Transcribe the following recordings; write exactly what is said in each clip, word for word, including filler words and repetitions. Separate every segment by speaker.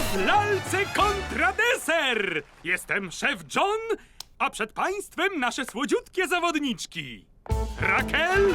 Speaker 1: W lalce kontra deser! Jestem szef John, a przed państwem nasze słodziutkie zawodniczki. Raquel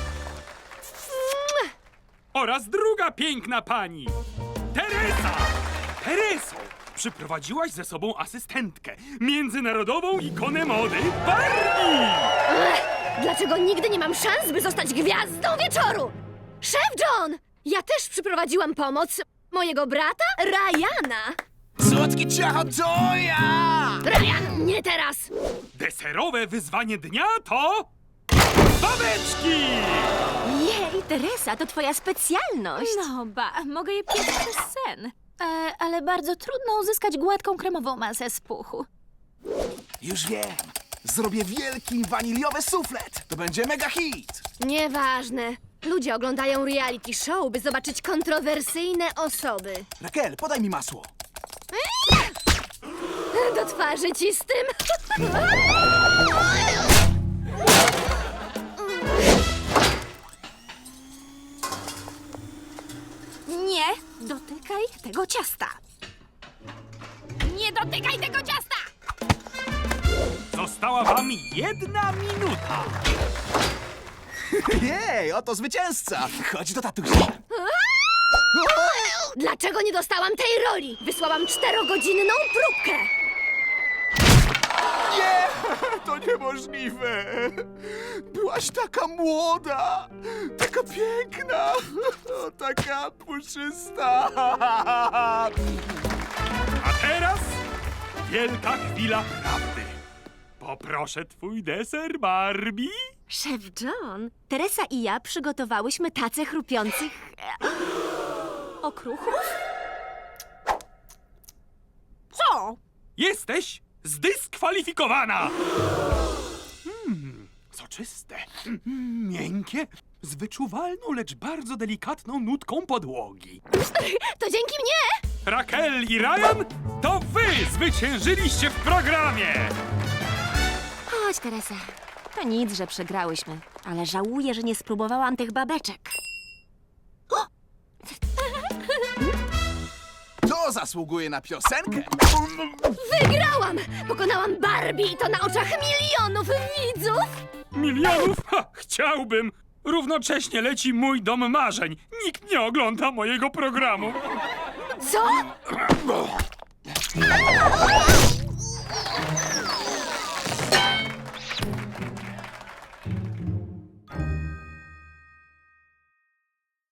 Speaker 1: oraz druga piękna pani, Teresa. Tereso, przyprowadziłaś ze sobą asystentkę, międzynarodową ikonę mody Barbie.
Speaker 2: Dlaczego nigdy nie mam szans, by zostać gwiazdą wieczoru? Szef John! Ja też przyprowadziłam pomoc mojego brata, Ryana.
Speaker 3: Słodki ciacho to ja!
Speaker 2: Ryan, nie teraz!
Speaker 1: Deserowe wyzwanie dnia to... babeczki!
Speaker 4: Jej, Teresa, to twoja specjalność.
Speaker 5: No ba, mogę je piec przez sen. E, ale bardzo trudno uzyskać gładką kremową masę z puchu.
Speaker 3: Już wiem. Zrobię wielki waniliowy suflet. To będzie mega hit.
Speaker 2: Nieważne. Ludzie oglądają reality show, by zobaczyć kontrowersyjne osoby.
Speaker 3: Raquel, podaj mi masło.
Speaker 2: Do twarzy ci z tym.
Speaker 5: Nie dotykaj tego ciasta. Nie dotykaj tego ciasta!
Speaker 1: Została wam jedna minuta.
Speaker 3: Jej, oto zwycięzca. Chodź do tatusia.
Speaker 2: Dlaczego nie dostałam tej roli? Wysłałam czterogodzinną próbkę.
Speaker 3: Nie, to niemożliwe. Byłaś taka młoda, taka piękna, o, taka puszysta.
Speaker 1: A teraz wielka chwila prawdy. Poproszę twój deser, Barbie.
Speaker 4: Szef John, Teresa i ja przygotowałyśmy tacę chrupiących e, okruchów.
Speaker 5: Co?
Speaker 1: Jesteś zdyskwalifikowana! Hmm, soczyste, mm, miękkie, z wyczuwalną, lecz bardzo delikatną nutką podłogi.
Speaker 2: To dzięki mnie!
Speaker 1: Raquel i Ryan, to wy zwyciężyliście w programie!
Speaker 4: Chodź, Teresa. To nic, że przegrałyśmy, ale żałuję, że nie spróbowałam tych babeczek.
Speaker 3: To zasługuje na piosenkę.
Speaker 2: Wygrałam! Pokonałam Barbie i to na oczach milionów widzów!
Speaker 1: Milionów? Ha, chciałbym! Równocześnie leci mój dom marzeń. Nikt nie ogląda mojego programu.
Speaker 2: Co?